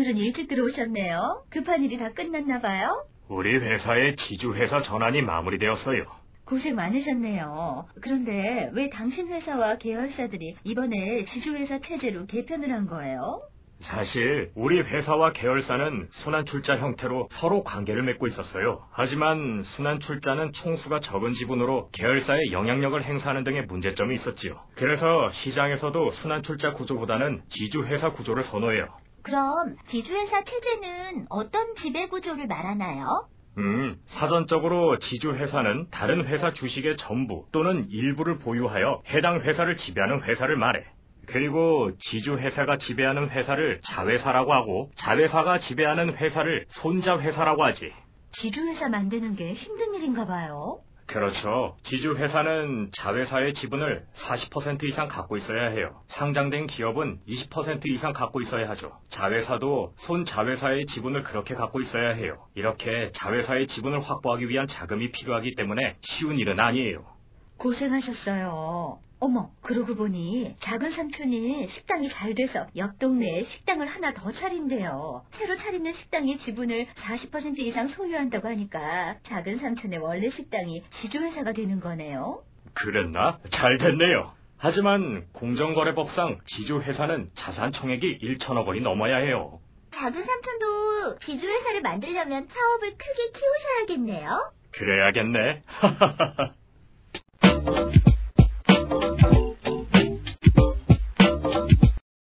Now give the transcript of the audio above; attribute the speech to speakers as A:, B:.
A: 오늘은 일찍 들어오셨네요. 급한 일이 다 끝났나 봐요?
B: 우리 회사의 지주회사 전환이 마무리되었어요.
A: 고생 많으셨네요. 그런데 왜 당신 회사와 계열사들이 이번에 지주회사 체제로 개편을 한 거예요?
B: 사실 우리 회사와 계열사는 순환출자 형태로 서로 관계를 맺고 있었어요. 하지만 순환출자는 총수가 적은 지분으로 계열사에 영향력을 행사하는 등의 문제점이 있었지요. 그래서 시장에서도 순환출자 구조보다는 지주회사 구조를 선호해요.
A: 그럼 지주회사 체제는 어떤 지배구조를 말하나요?
B: 사전적으로 지주회사는 다른 회사 주식의 전부 또는 일부를 보유하여 해당 회사를 지배하는 회사를 말해. 그리고 지주회사가 지배하는 회사를 자회사라고 하고 자회사가 지배하는 회사를 손자회사라고 하지.
A: 지주회사 만드는 게 힘든 일인가 봐요.
B: 그렇죠. 지주회사는 자회사의 지분을 40% 이상 갖고 있어야 해요. 상장된 기업은 20% 이상 갖고 있어야 하죠. 자회사도 손자회사의 지분을 그렇게 갖고 있어야 해요. 이렇게 자회사의 지분을 확보하기 위한 자금이 필요하기 때문에 쉬운 일은 아니에요.
A: 고생하셨어요. 어머, 그러고 보니 작은 삼촌이 식당이 잘 돼서 옆 동네에 식당을 하나 더 차린대요. 새로 차리는 식당의 지분을 40% 이상 소유한다고 하니까 작은 삼촌의 원래 식당이 지주회사가 되는 거네요.
B: 그랬나? 잘 됐네요. 하지만 공정거래법상 지주회사는 자산 총액이 1천억 원이 넘어야 해요.
A: 작은 삼촌도 지주회사를 만들려면 사업을 크게 키우셔야겠네요.
B: 그래야겠네.